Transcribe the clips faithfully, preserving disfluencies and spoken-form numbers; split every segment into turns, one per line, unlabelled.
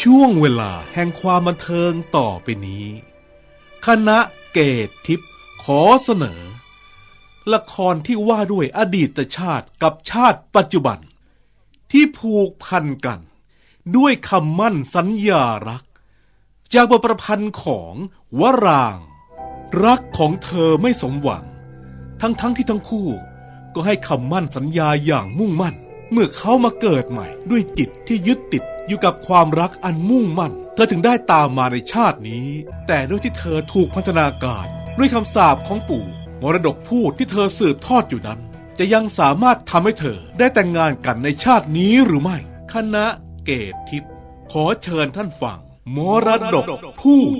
ช่วงเวลาแห่งความบันเทิงต่อไปนี้คณะเกตทิพย์ขอเสนอละครที่ว่าด้วยอดีตชาติกับชาติปัจจุบันที่ผูกพันกันด้วยคำมั่นสัญญารักจากบทประพันธ์ของวรางค์รักของเธอไม่สมหวังทั้งๆ ท, ที่ทั้งคู่ก็ให้คำมั่นสัญญาอย่างมุ่งมั่นเมื่อเขามาเกิดใหม่ด้วยจิตที่ยึดติดอยู่กับความรักอันมุ่งมั่นเธอถึงได้ตามมาในชาตินี้แต่ด้วยที่เธอถูกพัฒนาการด้วยคำสาปของปู่มรดกพูดที่เธอสืบทอดอยู่นั้นจะยังสามารถทำให้เธอได้แต่งงานกันในชาตินี้หรือไม่คณะเกตทิพย์ขอเชิญท่านฟังมรดกพูด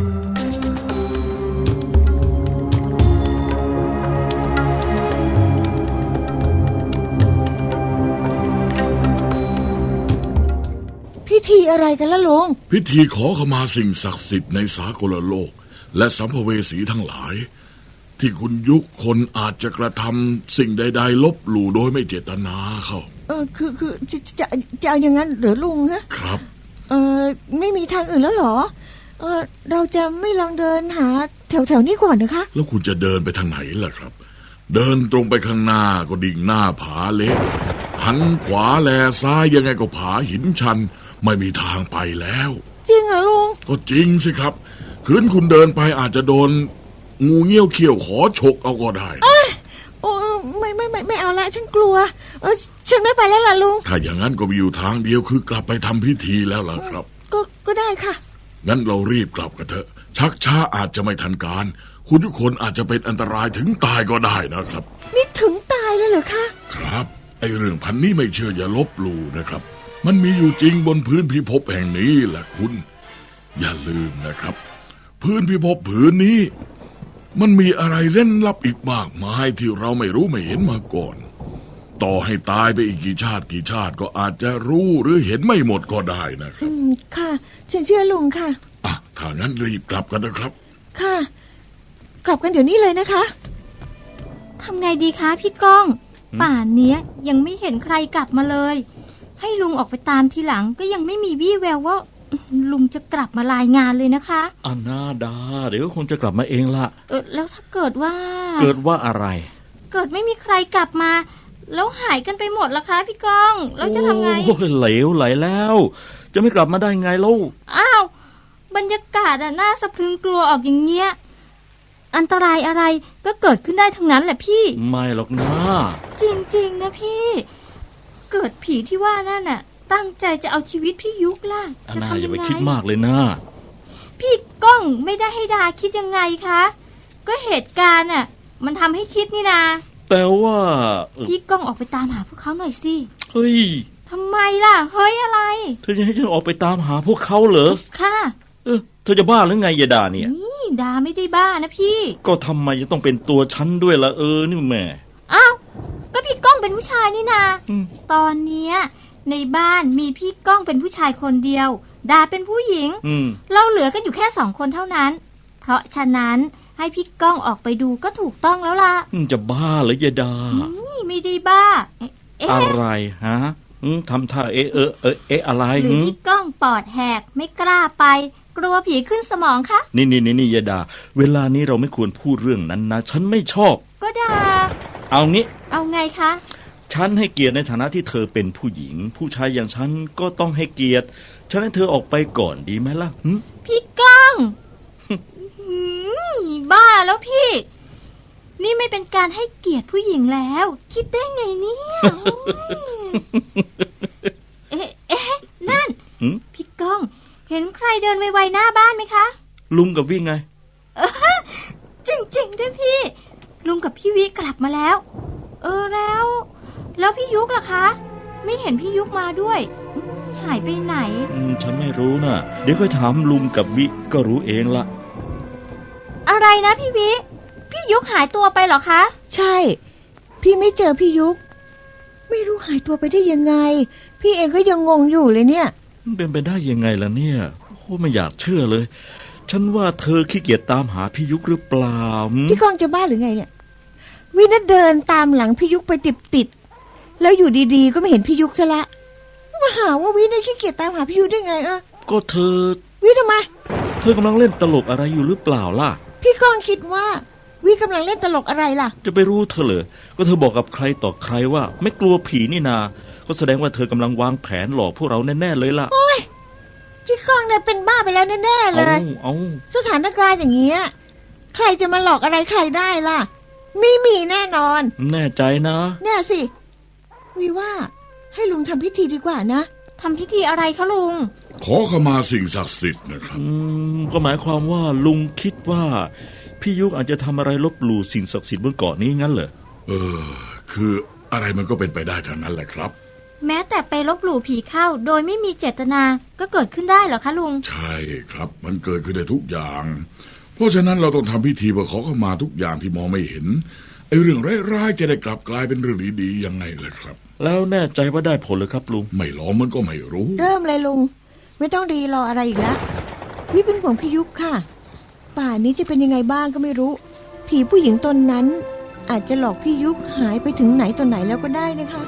พิธีอะไรกันล่ะลุง
พิธีขอขมาสิ่งศักดิ์สิทธิ์ในสากลโลกและสัมภเวสีทั้งหลายที่คุณยุคนอาจจะกระทำสิ่งใดๆลบหลู่โดยไม่เจตนาเขา
เออคือคือจะจะจะเอาอย่างนั้นหรือลุงฮะ
ครับ
เออไม่มีทางอื่นแล้วเหรอเออเราจะไม่ลองเดินหาแถวๆนี้ก่อนนะคะ
แล้วคุณจะเดินไปทางไหนล่ะครับเดินตรงไปข้างหน้าก็ดิ่งหน้าผาเล็กหันขวาแลซ้ายยังไงก็ผาหินชันไม่มีทางไปแล้ว
จริงเหรอลุง
ก็จริงสิครับคืนคุณเดินไปอาจจะโดนงูเงี้ยวเขี้ยวขอฉกเอาก็ได้
เอ้ยโอ้ไม่ไม่ไม่ไม่เอาละฉันกลัวเออฉันไม่ไปแล้วล่ะลุง
ถ้าอย่างนั้นก็มีอยู่ทางเดียวคือกลับไปทำพิธีแล้วล่ะครับ
ก็ก็ได้ค่ะ
งั้นเรารีบกลับกันเถอะชักช้าอาจจะไม่ทันการคุณทุกคนอาจจะเป็นอันตรายถึงตายก็ได้นะครับ
นี่ถึงตายแล้วเหรอคะ
ครับไอ้เรื่องพันนี้ไม่เชื่ออย่าลบหลู่นะครับมันมีอยู่จริงบนพื้นพิภพแห่งนี้แหละคุณอย่าลืมนะครับพื้นพิภพผืนนี้มันมีอะไรเล่นลับอีกมากมายที่เราไม่รู้ไม่เห็นมาก่อนต่อให้ตายไปอีกกี่ชาติกี่ชาติก็อาจจะรู้หรือเห็นไม่หมดก็ได้นะครับ
อืมค่ะฉันเชื่อลุงค่ะ
อ่ะถ้างั้นรีบกลับกันนะครับ
ค่ะกลับกันเดี๋ยวนี้เลยนะคะ
ทำไงดีคะพี่ก้องป่านเนี้ยยังไม่เห็นใครกลับมาเลยให้ลุงออกไปตามทีหลังก็ยังไม่มีวี่แววว่าลุงจะกลับมารายงานเลยนะคะ
อานาดาเดี๋ยวคงจะกลับมาเองละ
เออแล้วถ้าเกิดว่า
เกิดว่าอะไร
เกิดไม่มีใครกลับมาแล้วหายกันไปหมดล่ะคะพี่ก้องแล้วจะทำไง
โอ้ยเหลวไหลแล้วจะไม่กลับมาได้ไงลูก
อ้าวบรรยากาศอ่ะน่าสะพรึงกลัวออกอย่างเงี้ยอันตรายอะไรก็เกิดขึ้นได้ทั้งนั้นแหละพี่
ไม่หรอกนะ
จริงๆนะพี่เกิดผีที่ว่านั่นน่ะตั้งใจจะเอาชีวิตพี่ยุกล่ะ
จะทำยังไงอย่าไปคิดมากเลยนะ
พี่ก้องไม่ได้ให้ดาคิดยังไงคะก็เหตุการณ์น่ะมันทำให้คิดนี่นา
แต่ว่า
พี่ก้องออกไปตามหาพวกเขาหน่อยสิ
เฮ้ย
ทำไมล่ะเฮ้ยอะไร
เธอจะให้ฉันออกไปตามหาพวกเขาเหรอ
ค่ะ
เออเธอจะบ้าหรือไงยายดาเนี่ย
นี่ดาไม่ได้บ้านะพี่
ก็ทำไมจะต้องเป็นตัวฉันด้วยล่ะเออนี่แม่
อ้าวก็พี่ก้องเป็นผู้ชายนี่นาตอนเนี้ยในบ้านมีพี่ก้องเป็นผู้ชายคนเดียวดาเป็นผู้หญิงเราเหลือกันอยู่แค่สองคนเท่านั้นเพราะฉะนั้นให้พี่ก้องออกไปดูก็ถูกต้องแล้วล่ะ
จะบ้าเหรอยายดา
นี่ไม่ได้บ้า
อะไรฮะทำท่าเอะเออเออเอะอะไร
หรือพี่ก้องปอดแหกไม่กล้าไปกลัวผีขึ้นสมองคะ
นี่นี่นี่นี่ยายดาเวลานี้เราไม่ควรพูดเรื่องนั้นนะฉันไม่ชอบ
ก็ดา
เอางี้
เอาไงคะ
ฉันให้เกียรติในฐานะที่เธอเป็นผู้หญิงผู้ชายอย่างฉันก็ต้องให้เกียรติฉันให้เธอออกไปก่อนดีไหมล่ะ
พี่ก้องบ้าแล้วพี่นี่ไม่เป็นการให้เกียรติผู้หญิงแล้วคิดได้ไงเนี่ยเอ๊ะเอ๊ะนั่นพี่ก้องเห็นใครเดินไวๆหน้าบ้านไหมคะ
ลุงกับวิ่งไง
จริงๆด้วยพี่ลุงกับพี่วิกลับมาแล้วเออแล้วแล้วพี่ยุกล่ะคะไม่เห็นพี่ยุกมาด้วยหายไปไหน
ฉันไม่รู้น่ะเดี๋ยวค่อยถามลุงกับวิก็รู้เองละ
อะไรนะพี่วิพี่ยุกหายตัวไปเหรอคะ
ใช่พี่ไม่เจอพี่ยุกไม่รู้หายตัวไปได้ยังไงพี่เองก็ยังงงอยู่เลยเนี่ย
เป็นไปได้ยังไงล่ะเนี่ยโอ้ไม่อยากเชื่อเลยฉันว่าเธอขี้เกียจตามหาพี่ยุกหรือเปล่า
พี่ก้องจะบ้าหรือไงเนี่ยวิน่าเดินตามหลังพี่ยุกไปติดๆแล้วอยู่ดีๆก็ไม่เห็นพี่ยุกซะละมาหาว่าวิน่าขี้เกียจตามหาพี่ยุกได้ไงอ่ะ
ก็เธอ
วิทำไม
เธอกำลังเล่นตลกอะไรอยู่หรือเปล่าล่ะ
พี่ก้องคิดว่า วิกำลังเล่นตลกอะไรล่ะ
จะไปรู้เธอเหรอก็เธอบอกกับใครต่อใครว่า ไม่กลัวผีนี่นาก็แสดงว่าเธอกำลังวางแผนหลอกพวกเราแน่ๆเลยล่ะ
โอ้ยพี่ก้องเนี่ยเป็นบ้าไปแล้วแน่ๆเล
เอา
ย
เอา
สถานการณ์อย่างเงี้ยใครจะมาหลอกอะไรใครได้ล่ะไม่มีแน่นอน
แน่ใจนะ
เนี่ยสิวิว่าให้ลุงทำพิธีดีกว่านะ
ทำพิธีอะไรคะลุง
ขอขมาสิ่งศักดิ์สิทธิ์นะครับ
อืมก็หมายความว่าลุงคิดว่าพี่ยุกอาจจะทำอะไรลบหลู่สิ่งศักดิ์สิทธิ์บนเกาะนี้งั้นเหรอ
เออ คืออะไรมันก็เป็นไปได้ทั้งนั้นแหละครับ
แม้แต่ไปลบหลู่ผีเข้าโดยไม่มีเจตนาก็เกิดขึ้นได้เหรอคะลุง
ใช่ครับ มันเกิดขึ้นได้ทุกอย่าง เพราะฉะนั้นเราต้องทำพิธีเพื่อขอขมาทุกอย่างที่มองไม่เห็นไอ้เรื่องร้ายๆจะได้กลับกลายเป็นเรื่องดีๆยังไงล่ะครับ
แล้วแน่ใจว่าได้ผลหรือครับลุง
ไม่ลองมันก็ไม่รู้
เริ่มเลยลุงไม่ต้องรีรออะไรอีกแล้ววิเป็นห่วงพี่ยุคค่ะป่านนี้จะเป็นยังไงบ้างก็ไม่รู้ ผีผู้หญิงตนนั้น อาจจะหลอกพี่ยุคหายไปถึงไหนตอนไหนแล้วก็ได้นะคะ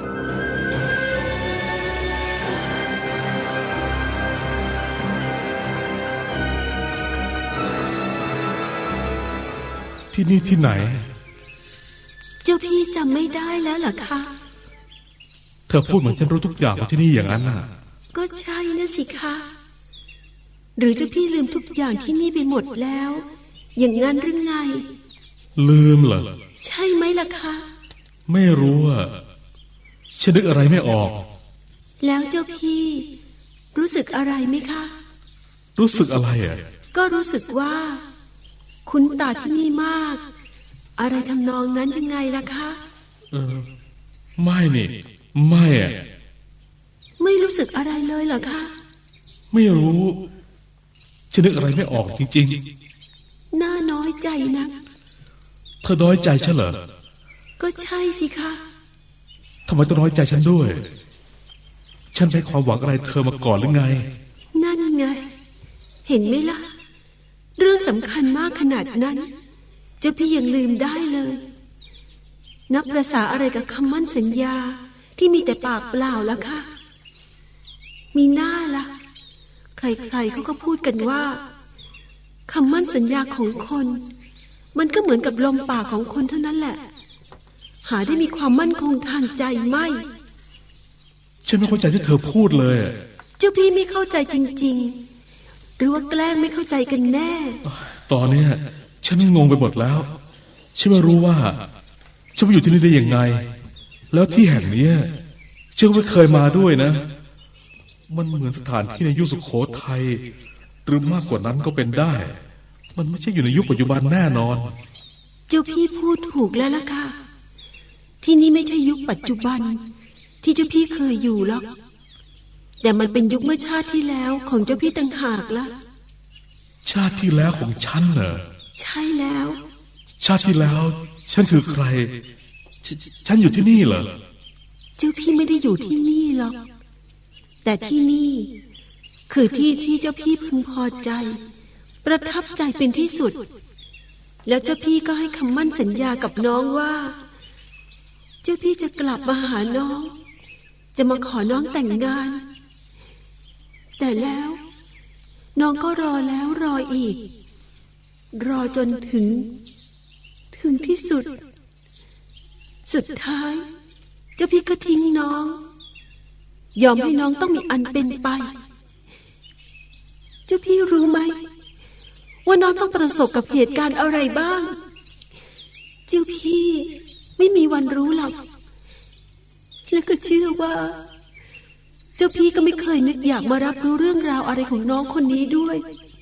ที่นี่ที่ไหน
เจ้าพี่จำไม่ได้แล้วเหรอคะ
เธอพูดเหมือนฉันรู้ทุกอย่างของที่นี่อย่างนั้นน่ะ
ก็ใช่นะสิคะหรือเจ้าพี่ลืมทุกอย่างที่นี่ไปหมดแล้ว อย่างนั้นหรือไง
ลืมเหรอ
ใช่ไหมล่ะคะ
ไม่รู้อ่ะฉันนึกอะไรไม่ออก
แล้วเจ้าพี่รู้สึกอะไรไหมคะ
รู้สึกอะไรอ่ะ
ก็รู้สึกว่า คุ้นตาที่นี่มาก อะไรทำนองนั้นยังไงล่ะคะ
เออ ไม่นี่ ไม่อ่ะ
ไม่รู้สึกอะไรเลยเหรอคะ
ไม่รู้ฉันนึกอะไรไม่ออกจริง
น่าน้อยใจนะ
ๆ เธอน้อยใจฉันเหรอ
ก็ใช่สิคะ
ทำไมต้องน้อยใจฉันด้วย ฉันให้ความหวังอะไรเธอมาก่อนหรือไง
นั่นไง เห็นไหมล่ะ เรื่องสำคัญมากขนาดนั้นเจ้าพี่ยังลืมได้เลย นับประสาอะไรกับคำมั่นสัญญาที่มีแต่ปากเปล่าแล้วค่ะ มีหน้าล่ะ ใครๆเขาก็พูดกันว่าคำมั่นสัญญาของคน มันก็เหมือนกับลมปากของคนเท่านั้นแหละ หาได้มีความมั่นคงทางใจไม่
ฉันไม่เข้าใจที่เธอพูดเลยอะ
เจ้าพี่ไม่เข้าใจจริงๆ หรือว่าแกล้งไม่เข้าใจกันแน่
ตอนเนี้ยฉันงงไปหมดแล้ว ฉันไม่รู้ว่าฉันมาอยู่ที่นี่ได้ยังไง แล้วที่แห่งเนี้ยฉันก็ไม่เคยมาด้วยนะ มันเหมือนสถานที่ในยุคสุโขทัยหรือมากกว่านั้นก็เป็นได้ มันไม่ใช่อยู่ในยุคปัจจุบันแน่นอน
เจ้าพี่พูดถูกแล้วล่ะค่ะ ที่นี่ไม่ใช่ยุคปัจจุบัน ที่เจ้าพี่เคยอยู่หรอก แต่มันเป็นยุคเมื่อชาติที่แล้วของเจ้าพี่ต่างหากละ
ชาติที่แล้วของฉันเหรอ
ใช่แล้ว
ชาติที่แล้ว ฉันคือใครฉฉันอยู่ที่นี่เหรอ
เจ้าพี่ไม่ได้อยู่ที่นี่หรอก แต่ที่นี่คือที่ที่เจ้าพี่พึงพอใจ ประทับใจเป็นที่สุด แล้วเจ้าพี่ก็ให้คำมั่นสัญญากับน้องว่า เจ้าพี่จะกลับมาหาน้อง จะมาขอน้องแต่งงาน แต่แล้ว น้องก็รอแล้วรออีก รอจนถึง ถึงที่สุด สุดท้าย เจ้าพี่ก็ทิ้งน้อง ยอมให้น้องต้องมีอันเป็นไป เจ้าพี่รู้ไหมว่าน้องต้องประสบกับเหตุการณ์อะไรบ้าง เจ้าพี่ไม่มีวันรู้หรอก และก็เชื่อว่า เจ้าพี่ก็ไม่เคยนึกอยากมารับรู้เรื่องราวอะไรของน้องคนนี้ด้วย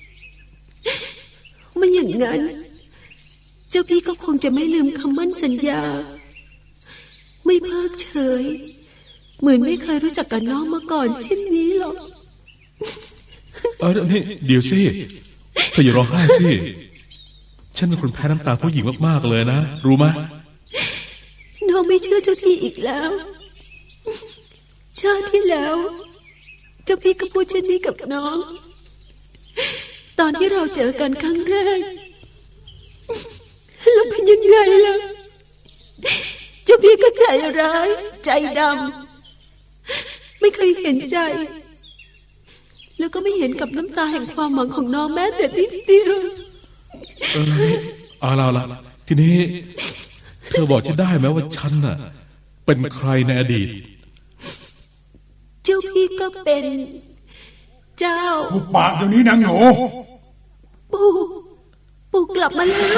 ไม่อย่างนั้น เจ้าพี่ก็คงจะไม่ลืมคำมั่นสัญญา ไม่เพิกเฉย เหมือนไม่เคยรู้จักกับน้องมาก่อนเช่นนี้หรอก
เออนี่เดี๋ยวสิเธออย่าร้องไห้สิฉันเป็นคนแพ้น้ำตาผู้หญิงมากๆเลยนะรู้ไหม
น้องไม่เชื่อเจ้าพี่อีกแล้ว ชาติที่แล้ว เจ้าพี่ก็พูดเช่นนี้กับน้อง ตอนที่เราเจอกันครั้งแรกแล้วเป็นยังไงล่ะ เจ้าพี่ก็ใจร้ายใจดำไม่เคยเห็นใจแล้วก็ไม่เห็นกับน้ำตาแห่งความหวังของน้องแม้แต่นิดเดียว
เออเอาละละทีนี้ เธอบอกจะได้ไหมว่าฉันน่ะ เป็นใครในอดีต
เจ้าพี่ก็เป็น เจ้า
หุบปากเดี๋ยวนี้นางหนู
ปู่ ปู่กลับมาแล้ว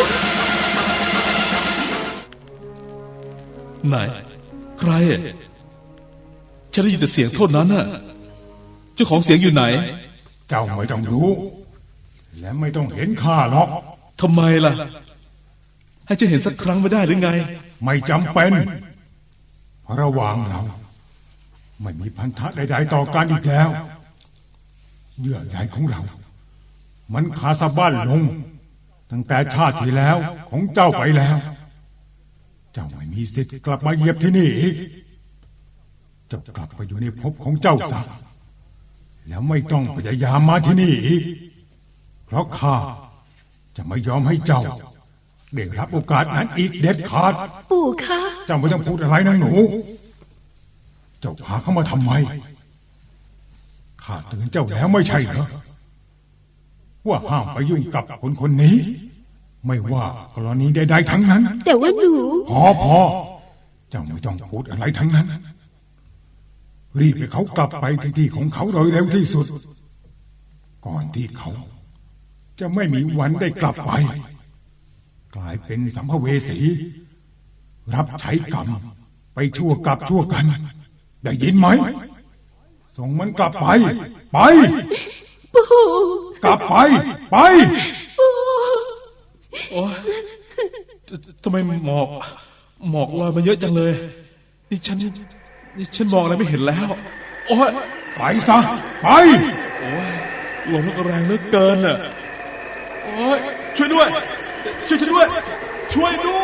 ไหน ใครอ่ะฉันได้ยินแต่เสียงเท่านั้นน่ะ เจ้าของเสียงอยู่ไหน
เจ้าไม่ต้องรู้ และไม่ต้องเห็นข้าหรอก
ทำไมล่ะ ให้ฉันเห็นสักครั้งไม่ได้หรือไง
ไม่จำเป็นเพราะระหว่างเรา ไม่มีพันธะใดๆต่อกันอีกแล้วเยื่อใยของเรา มันขาดสะบั้นลง ตั้งแต่ชาติที่แล้วของเจ้าไปแล้ว เจ้าไม่มีสิทธิ์กลับมาเหยียบที่นี่อีกเจ้ากลับไปอยู่ในภพของเจ้าซะแล้วไม่ต้องพยายามมาที่นี่อีกเพราะข้าจะไม่ยอมให้เจ้าได้รับโอกาสนั้นอีกเด็ดขาด
ปู่คะ
เจ้าไม่ต้องพูดอะไรนะหนู เจ้าพาเขามาทำไมข้าเตือนเจ้าแล้วไม่ใช่เหรอว่าห้ามไปยุ่งกับคนคนนี้ ไม่ว่ากรณีใดๆทั้งนั้น
แต่ว่าหนู
พอพอเจ้าไม่ต้องพูดอะไรทั้งนั้น รีบให้เขากลับไปที่ที่ของเขาโดยเร็วที่สุด ก่อนที่เขา จะไม่มีวันได้กลับไป กลายเป็นสัมภเวสี รับใช้กรรมไปชั่วกับชั่วกัน ได้ยินไหม ส่งมันกลับไป ไป
ปู่
กลับไป ไป
โอ๊ยทำไมหมอก หมอกลอยมาเยอะจังเลย นี่ฉัน นี่ฉันมองอะไรไม่เห็นแล้ว โอ๊ย
ไปซะ ไป
โอ๊ยลมมันก็แรงเหลือเกินน่ะ โอ๊ย ช่วยด้วย ช่วยฉันด้วย ช่วยด้วย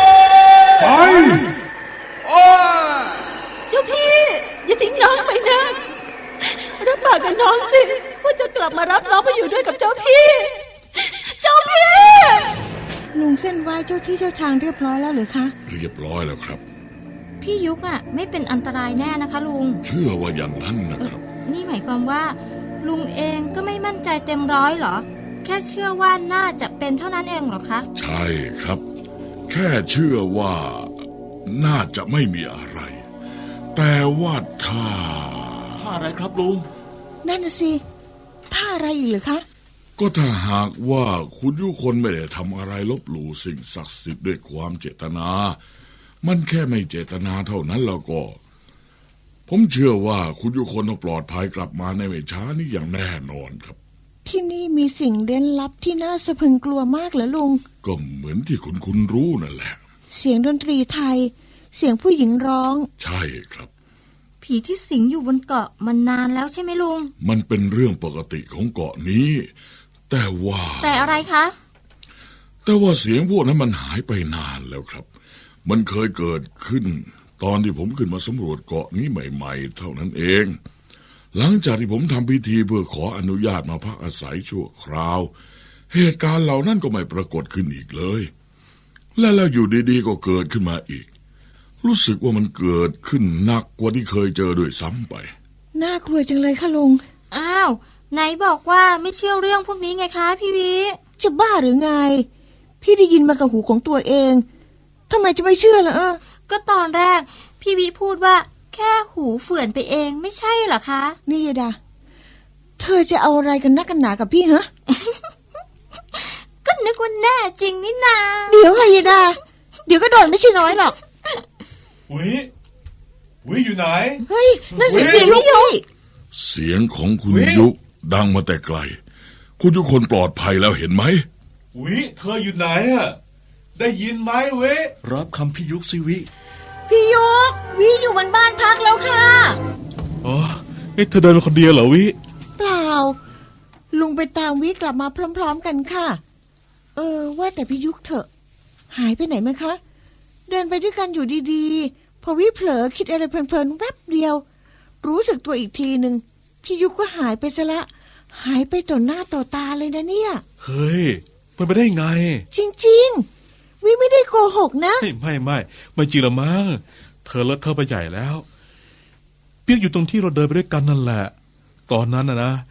ไป
โอ๊ย
เจ้าพี่ อย่าทิ้งน้องไปนะ รับปากกับน้องสิว่าจะกลับมารับน้องไปอยู่ด้วยกับเจ้าพี่ เจ้าพี่
ลุงเส้นไหว้เจ้าที่เจ้าทางเรียบร้อยแล้วหรือคะ
เรียบร้อยแล้วครับ
พี่ยุกอ่ะไม่เป็นอันตรายแน่นะคะลุง
เชื่อว่าอย่างนั้นนะครับ
นี่หมายความว่า ลุงเองก็ไม่มั่นใจเต็มร้อยเหรอ แค่เชื่อว่าน่าจะเป็นเท่านั้นเองเหรอคะ
ใช่ครับ แค่เชื่อว่าน่าจะไม่มีอะไร แต่ว่าถ้า
ถ้าอะไรครับลุง
นั่นน่ะสิท่าอะไรอีกเหรือคะ
ก็ถ้าหากว่าคุณยุคนไม่ได้ทำอะไรลบหลู่สิ่งศักดิ์สิทธิ์ด้วยความเจตนา มันแค่ไม่เจตนาเท่านั้นแล้วก็ ผมเชื่อว่าคุณยุคนต้องปลอดภัยกลับมาในไม่ช้านี้อย่างแน่นอนครับ
ที่นี่มีสิ่งเร้นลับที่น่าสะพรึงกลัวมากเหรอลุง
ก็เหมือนที่คุณคุณรู้นั่นแหละ
เสียงดนตรีไทย เสียงผู้หญิงร้อง
ใช่ครับ
ผีที่สิงอยู่บนเกาะมันนานแล้วใช่ไหมลุง
มันเป็นเรื่องปกติของเกาะนี้ แต่ว่า
แต่อะไรคะ
แต่ว่าเสียงพวกนั้นมันหายไปนานแล้วครับ มันเคยเกิดขึ้น ตอนที่ผมขึ้นมาสำรวจเกาะนี้ใหม่ๆเท่านั้นเอง หลังจากที่ผมทำพิธีเพื่อขออนุญาตมาพักอาศัยชั่วคราว เหตุการณ์เหล่านั้นก็ไม่ปรากฏขึ้นอีกเลย และแล้วอยู่ดีๆก็เกิดขึ้นมาอีก รู้สึกว่ามันเกิดขึ้นหนักกว่าที่เคยเจอด้วยซ้ำไป
น่ากลัวจังเลยค่ะลุง
อ้าวไหนบอกว่าไม่เชื่อเรื่องพวกนี้ไงคะพี่วิ
จะบ้าหรือไง พี่ได้ยินมากับหูของตัวเองทำไมจะไม่เชื่อล่ะเออ
ก็ตอนแรกพี่วิพูดว่าแค่หูเฝื่อนไปเองไม่ใช่เหรอคะ
นี่ยายดา เธอจะเอาอะไรกันนักกันหนากับพี่ฮะ
ก็นึกว่าแน่จริงนี่นา
เดี๋ยวค่ะยายดา เดี๋ยวก็โดนไม่ใช่น้อยหรอก
วิวิอยู่ไหน
เฮ้ยนั่นเสียงเสียงพี่ยุ้ย
เสียงของคุณ
เฮ้ย
ยุดังมาแต่ไกล คุณยุคนปลอดภัยแล้วเห็นไหม
วิเธออยู่ไหนอะได้ยินไหมเวิ
รับคำพี่ยุกสิวิ
พี่ยุกวิอยู่บนบ้านพักแล้วค่ะ
อ๋อเอ๊ะเธอเดินมาคนเดียวเหรอวิ
เปล่า ลุงไปตามวิกลับมาพร้อมๆกันค่ะ เออ ว่าแต่พี่ยุกเถอะ หายไปไหนไหมคะ เดินไปด้วยกันอยู่ดีๆ พอวิเผลอคิดอะไรเพลินๆแวบเดียว รู้สึกตัวอีกทีหนึ่งพี่ยุกก็หายไปซะละ หายไปต่อหน้าต่อตาเลยนะเนี่ย
เฮ้ยมันไปได้ไง
จริงๆ วิไม่ได้โกหกนะ
ไม่ไม่ไม่ไม่จริงละมั้งเธอเลอะเธอไปใหญ่แล้ว เปียกอยู่ตรงที่เราเดินไปด้วยกันนั่นแหละ ตอนนั้นนะนะ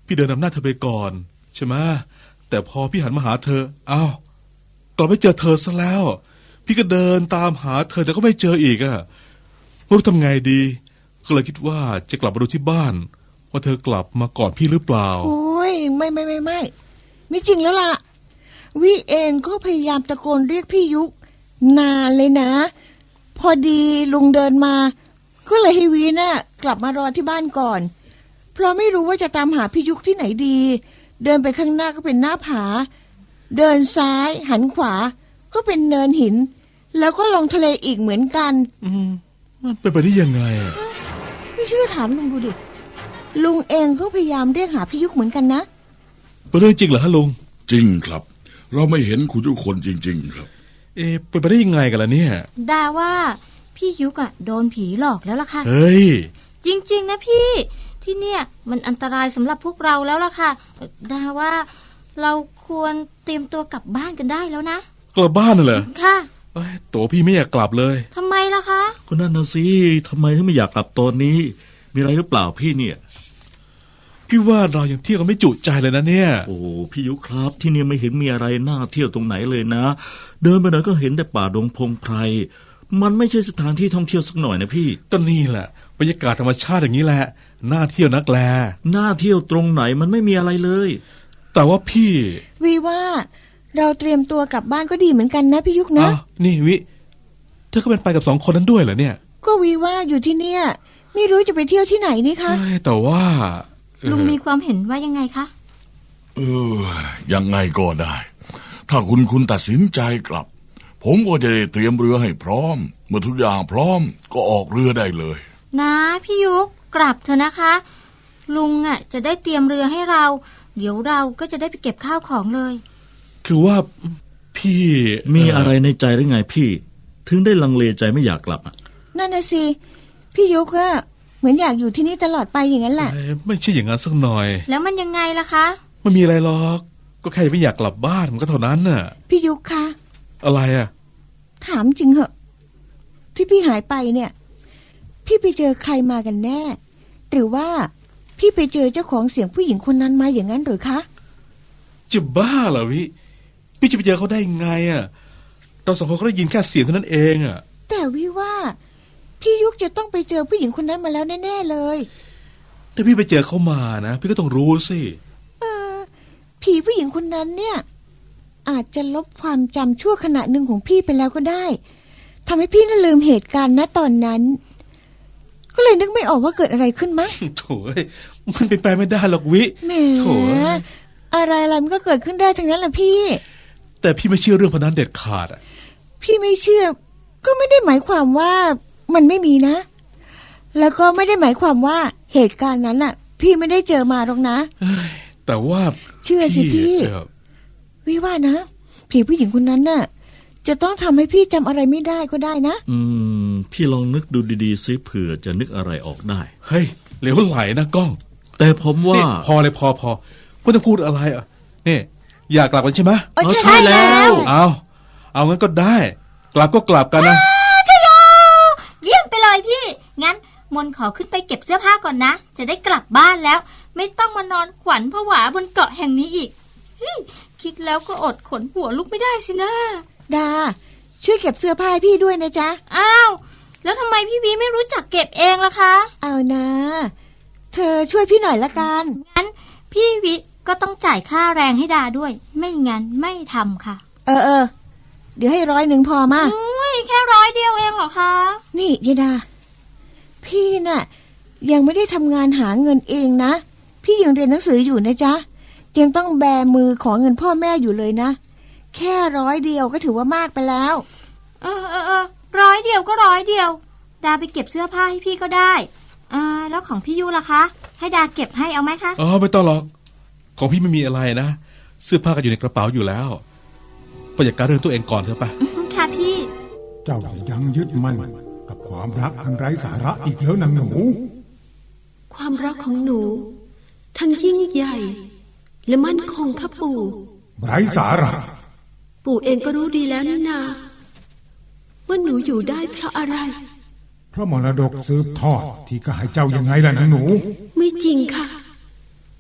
พี่เดินนำหน้าเธอไปก่อนใช่ไหมแต่พอพี่หันมาหาเธออ้าวกลับไม่เจอเธอซะแล้วพี่ก็เดินตามหาเธอแต่ก็ไม่เจออีกอะไม่รู้ทำไงดีก็เลยคิดว่าจะกลับมาดูที่บ้านว่าเธอกลับมาก่อนพี่หรือเปล่า
โอ้ยไม่ไม่ไม่ไม่ไม่จริงแล้วล่ะวิเองก็พยายามตะโกนเรียกพี่ยุกนานเลยนะพอดีลุงเดินมาก็เลยให้วีน่ะกลับมารอที่บ้านก่อนเพราะไม่รู้ว่าจะตามหาพี่ยุกที่ไหนดีเดินไปข้างหน้าก็เป็นหน้าผาเดินซ้ายหันขวาก็เป็นเนินหินแล้วก็ลงทะเลอีกเหมือนกัน
อืมมันเป็นไปได้ยังไงอ่ะ
ไม่เชื่อถามลุงดูดิลุงเองก็พยายามเรียกหาพี่ยุกเหมือนกันนะ
เป็นเรื่องจริงเหรอฮะลุง
จริงครับเราไม่เห็นคุณทุกคนจริงๆครับ
เอ๊ะเป็นไปได้ยังไงกันล่ะเนี่ย
ดาว่าพี่ยุกอ่ะโดนผีหลอกแล้วล่ะค่ะ
เฮ้ย
จริงๆนะพี่ที่เนี่ยมันอันตรายสำหรับพวกเราแล้วล่ะค่ะดาว่าเราควรเตรียมตัวกลับบ้านกันได้แล้วนะ
กลับบ้านน่ะเหรอ
ค่ะ
ตัวพี่ไม่อยากกลับเลย
ทำไมล่ะคะ
ก็นั่นน่ะสิทำไมถึงไม่อยากกลับตอนนี้มีอะไรหรือเปล่าพี่เนี่ย
พี่ว่าเรายังเที่ยวกันไม่จุใจเลยนะเนี่ย
โอ้พี่ยุครับที่นี่ไม่เห็นมีอะไรน่าเที่ยวตรงไหนเลยนะเดินไปไหนก็เห็นแต่ป่าดงพงไพรมันไม่ใช่สถานที่ท่องเที่ยวสักหน่อยนะพี่
ก็นี่แหละบรรยากาศธรรมชาติอย่างนี้แหละน่าเที่ยวนักแล
น่าเที่ยวตรงไหนมันไม่มีอะไรเลย
แต่ว่าพี่
วีว่าเราเตรียมตัวกลับบ้านก็ดีเหมือนกันนะพี่ยุกนะ
นี่วิเธอก็เป็นไปกับสองคนนั้นด้วยเหรอเนี่ย
ก็วีว่าอยู่ที่เนี่ยไม่รู้จะไปเที่ยวที่ไหนนี่คะ
แต่ว่า
ลุงมีความเห็นว่ายังไงคะ
เออยังไงก็ได้ถ้าคุณคุณตัดสินใจกลับผมก็จะได้เตรียมเรือให้พร้อมเมื่อทุกอย่างพร้อมก็ออกเรือได้เลย
นะพี่ยุกกลับเถอะนะคะลุงอ่ะจะได้เตรียมเรือให้เราเดี๋ยวเราก็จะได้ไปเก็บข้าวของเลย
คือว่าพี่
มีอะไรในใจหรือไงพี่ถึงได้ลังเลใจไม่อยากกลับอ่ะ
นั่นน่ะสิพี่ยุกอะเหมือนอยากอยู่ที่นี่ตลอดไปอย่างนั้นแหละ
ไม่ใช่อย่างนั้นสักหน่อย
แล้วมันยังไงล่ะคะ
ไม่มีอะไรหรอกก็แค่ไม่อยากกลับบ้านมันก็เท่านั้นน่ะ
พี่ยุกคะ
อะไรอ่ะ
ถามจริงเหอะที่พี่หายไปเนี่ยพี่ไปเจอใครมากันแน่หรือว่าพี่ไปเจอเจ้าของเสียงผู้หญิงคนนั้นมาอย่างนั้นหรือคะ
จะบ้าเหรอวิพี่จะไปเจอเขาได้ไงอ่ะเราสองคนก็ได้ยินแค่เสียงเท่านั้นเองอ่ะ
แต่วิว่าพี่ยุกจะต้องไปเจอผู้หญิงคนนั้นมาแล้วแน่ๆเลย
ถ้าพี่ไปเจอเขามานะพี่ก็ต้องรู้สิ
เออผีผู้หญิงคนนั้นเนี่ยอาจจะลบความจำชั่วขณะหนึ่งของพี่ไปแล้วก็ได้ทำให้พี่น่าลืมเหตุการณ์ณตอนนั้นก็เลยนึกไม่ออกว่าเกิดอะไรขึ้นมั้ง
โถ่มันเป็นไปไม่ได้หรอกวิ
แหมโถ่อะไรอะไรมันก็เกิดขึ้นได้ทั้งนั้นแหละพี่
แต่พี่ไม่เชื่อเรื่องพนันเด็ดขาดอ่ะ
พี่ไม่เชื่อก็ไม่ได้หมายความว่ามันไม่มีนะแล้วก็ไม่ได้หมายความว่าเหตุการณ์นั้นน่ะพี่ไม่ได้เจอมาหรอกนะ
แต่ว่า
เชื่อสิพี่วิว่านะผีผู้หญิงคนนั้นน่ะจะต้องทำให้พี่จำอะไรไม่ได้ก็ได้นะ
อืมพี่ลองนึกดูดีๆซิเผื่อจะนึกอะไรออกได้
เฮ้ยเหลวไหลนะก้อง
แต่ผมว่า
พอเลยพอพอไม่ต้องพูดอะไรอ่ะนี่อยากกลับกันใช่ไหม
ใช่แล้ว
เอาเอางั้นก็ได้กลับก็กลับกันนะ
ใช่โยเยี่ยมไปเลยพี่งั้นมนขอขึ้นไปเก็บเสื้อผ้าก่อนนะจะได้กลับบ้านแล้วไม่ต้องมานอนขวัญผวาบนเกาะแห่งนี้อีกคิดแล้วก็อดขนหัวลุกไม่ได้สินะ
ดาช่วยเก็บเสื้อผ้าให้พี่ด้วยนะจ๊ะ
อ้าวแล้วทำไมพี่วีไม่รู้จักเก็บเองล่ะคะ
เอานะเธอช่วยพี่หน่อยละกัน
งั้นพี่วิก็ต้องจ่ายค่าแรงให้ดาด้วยไม่งั้นไม่ทำค่ะ
เออเออเดี๋ยวให้ร้อยหนึ่งพอมา
อุ้ยแค่ร้อยเดียวเองเหรอคะ
นี่ยายดาพี่น่ะยังไม่ได้ทำงานหาเงินเองนะพี่ยังเรียนหนังสืออยู่นะจ๊ะยังต้องแบมือขอเงินพ่อแม่อยู่เลยนะแค่ร้อยเดียวก็ถือว่ามากไปแล้ว
เออเออเออร้อยเดียวก็ร้อยเดียวดาไปเก็บเสื้อผ้าให้พี่ก็ได้อ่าแล้วของพี่ยูล่ะคะให้ดาเก็บให้เอาไหมคะ
อ๋อไม่ต้องหรอกของพี่ไม่มีอะไรนะเสื้อผ้าก็อยู่ในกระเป๋าอยู่แล้วไปจัดการเรื่องตัวเองก่อนเถอะปะ
ค่ะพี่
เจ้าจะยังยึดมั่นกับความรักอันไร้สาระอีกแล้วนางหนู
ความรักของหนูทั้งยิ่งใหญ่และมั่นคงค่ะปู่
ไร้สาระ
ปู่เองก็รู้ดีแล้วนี่นาว่าหนูอยู่ได้เพราะอะไร
เพราะมรดกสืบทอดที่ก็ให้เจ้ายังไงล่ะนางหนู
ไม่จริงค่ะ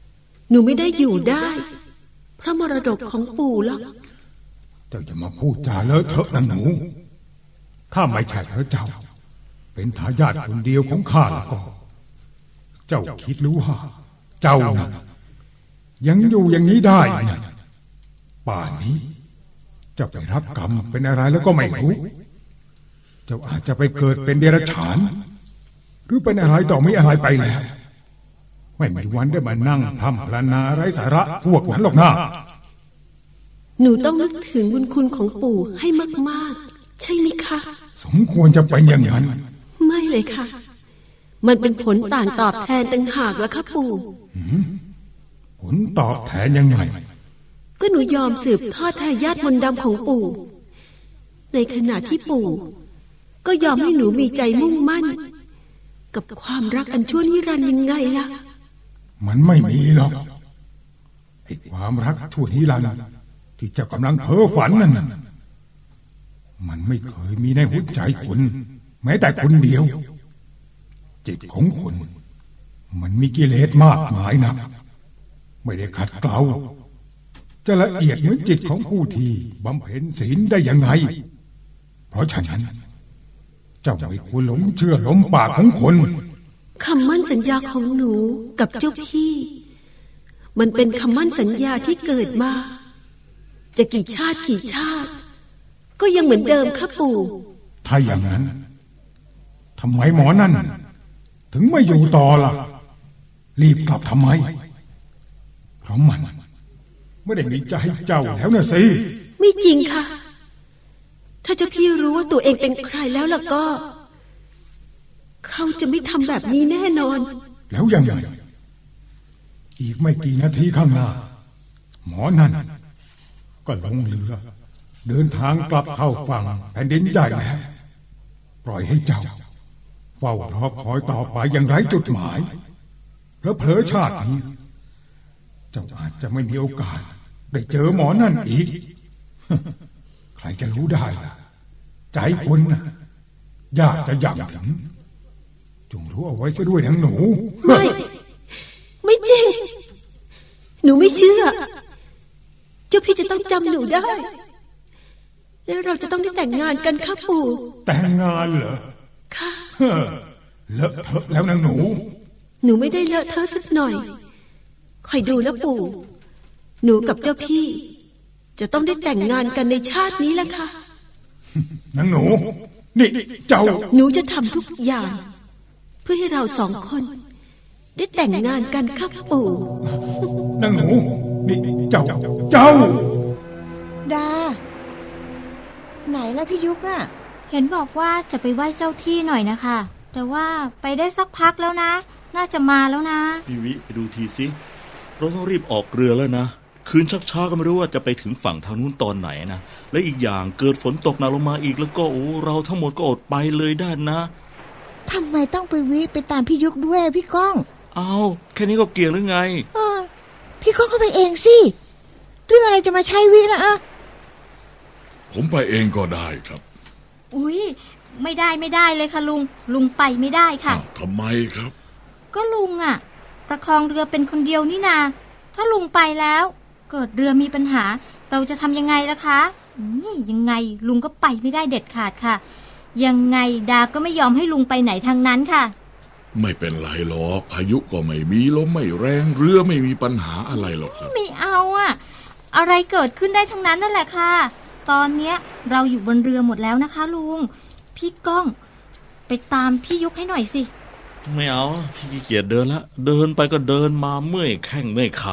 หนูไม่ได้อยู่ได้เพราะมรดกของปู่หรอก
เจ้าจะมาพูดจาเลอะเทอะนะหนู ถ้าไม่ใช่พระเจ้า เป็นทายาทคนเดียวของข้าแล้วก็ เจ้าคิดรู้ว่าเจ้านะยังอยู่อย่างนี้ได้นะป่านนี้เจ้าไปรับกรรมเป็นอะไรแล้วก็ไม่รู้ เจ้าอาจจะไปเกิดเป็นเดรัจฉาน หรือเป็นอะไรต่อไม่อะไรไปแล้วไม่มีวันได้มานั่งทำพลานาไร้สาระพวกนั้นหรอกนะ
หนูต้องนึกถึงบุญคุณของปู่ให้มากๆใช่ไหมคะ
สมควรจะเป็นอย่างนั้น
ไม่เลยค่ะ มันเป็นผลต่างตอบแทนต่างหากแล้วค่ะปู่
ผลตอบแทนยังไง
ก็หนูยอมสืบทอดทายาทมนต์ดำของปู่ ในขณะที่ปู่ก็ยอมให้หนูมีใจมุ่งมั่นกับความรักอันชั่วนิรันดร์ยังไงล่ะ
มันไม่มีหรอกไอ้ความรักชั่วนิรันดร์ที่เจ้ากำลังเพ้อฝันนั่นน่ะมันไม่เคยมีในหัวใจคุณแม้แต่คนเดียวจิตของคุณมันมีกิเลสมากมายนะไม่ได้ขัดเกลาจะละเอียดเหมือนจิตของผู้ที่บำเพ็ญศีลได้ยังไงเพราะฉะนั้นเจ้าไม่ควรหลงเชื่อลมปากของคน
คำมั่นสัญญาของหนูกับเจ้าพี่ มันเป็นคำมั่นสัญญาที่เกิดมาจะกี่ชาติกี่ชาติ ก็ยังเหมือนเดิมค่ะปู่
ถ้าอย่างนั้นทำไมหมอนั่นถึงไม่อยู่ต่อล่ะ รีบกลับทำไมเพราะมันไม่ได้มีใจให้เจ้าแล้วนะสิ
ไม่จริงค่ะ ถ้าเจ้าพี่รู้ว่าตัวเองเป็นใครแล้วล่ะก็ เขาจะไม่ทำแบบนี้แน่นอน
แล้วยังไงอีกไม่กี่นาทีข้างหน้าหมอนั่นก็ลงเรือเดินทางกลับเข้าฝั่งแผ่นดินใหญ่แล้วปล่อยให้เจ้าเฝ้ารอคอยต่อไปอย่างไร้จุดหมายแล้วเผลอชาตินี้เจ้าอาจจะไม่มีโอกาสได้เจอหมอนั่นอีก ใครจะรู้ได้ล่ะใจคนน่ะยากจะยังถึงจงรู้เอาไว้ซะด้วยทั้งหนู
ไม่ ไม่จริง หนูไม่เชื่อ เจ้าพี่จะต้องจำหนูได้ แล้วเราจะต้องได้แต่งงานกันค่ะปู่
แต่งงานเหรอ
ค่ะ
เฮ้อเลอะเทอะแล้วนางหนู
หนูไม่ได้เลอะเทอะสักหน่อยคอยดูนะปู่ หนูกับเจ้าพี่ จะต้องได้แต่งงานกันในชาตินี้แหละค่ะ
นางหนู นี่เจ้า
หนูจะทำทุกอย่าง เพื่อให้เราสองคน ได้แต่งงานกันค่ะปู่
นางหนู นี่เจ้า เจ้า
ดา ไหนล่ะพี่ยุกอะ
เห็นบอกว่าจะไปไหว้เจ้าที่หน่อยนะคะ แต่ว่าไปได้สักพักแล้วนะ น่าจะมาแล้วนะ
พี่วิไปดูทีสิเราต้องรีบออกเรือแล้วนะคืนชักช้าก็ไม่รู้ว่าจะไปถึงฝั่งทางนู้นตอนไหนนะและอีกอย่างเกิดฝนตกหนักลงมาอีกแล้วก็โอ้เราทั้งหมดก็อดไปเลยได้นะ
ทำไมต้องไปวิไปตามพี่ยุกด้วยพี่ก้อง
เอาแค่นี้ก็เกี่ยงหรือไง
เออพี่ก้องก็ไปเองสิเรื่องอะไรจะมาใช้วิละอะ
ผมไปเองก็ได้ครับ
อุ๊ยไม่ได้ไม่ได้เลยค่ะลุงลุงไปไม่ได้ค่ะ
อ้าวทำไมครับ
ก็ลุงอะประคองเรือเป็นคนเดียวนี่นาถ้าลุงไปแล้ว เกิดเรือมีปัญหา เราจะทำยังไงล่ะคะนี่ยังไงลุงก็ไปไม่ได้เด็ดขาดค่ะ ยังไงดาก็ไม่ยอมให้ลุงไปไหนทางนั้นค่ะ
ไม่เป็นไรหรอกพายุก็ไม่มีลมไม่แรงเรือไม่มีปัญหาอะไรหรอกครับ
ไม่เอาอะอะไรเกิดขึ้นได้ทั้งนั้นนั่นแหละค่ะตอนเนี้ยเราอยู่บนเรือหมดแล้วนะคะลุงพี่ก้องไปตามพี่ยุกให้หน่อยสิ
ไม่เอาพี่ขี้เกียจเดินละเดินไปก็เดินมาเมื่อยแข้งเมื่อยขา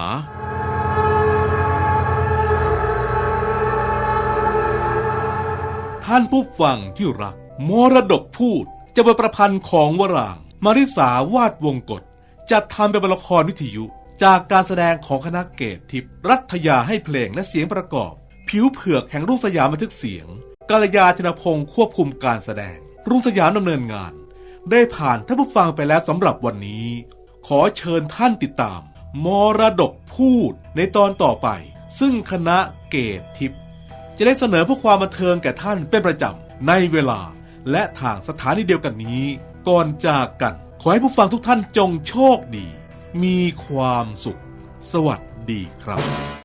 ท่านผู้ฟังที่รักมรดกพูดจะเป็นประพันธ์ของวรางค์มาริสาวาดวงกฎจัดทำเป็นละครวิทยุจากการแสดงของคณะเกตทิพย์รัฐยาให้เพลงและเสียงประกอบผิวเผือกแห่งรุ่งสยามบันทึกเสียงกาลยาธนพงศ์ควบคุมการแสดงรุ่งสยามดำเนินงานได้ผ่านท่านผู้ฟังไปแล้วสำหรับวันนี้ขอเชิญท่านติดตามมรดกพูดในตอนต่อไปซึ่งคณะเกตทิพย์จะได้เสนอเพื่อความบันเทิงแก่ท่านเป็นประจำในเวลาและทางสถานีเดียวกันนี้ก่อนจากกันขอให้ผู้ฟังทุกท่านจงโชคดีมีความสุขสวัสดีครับ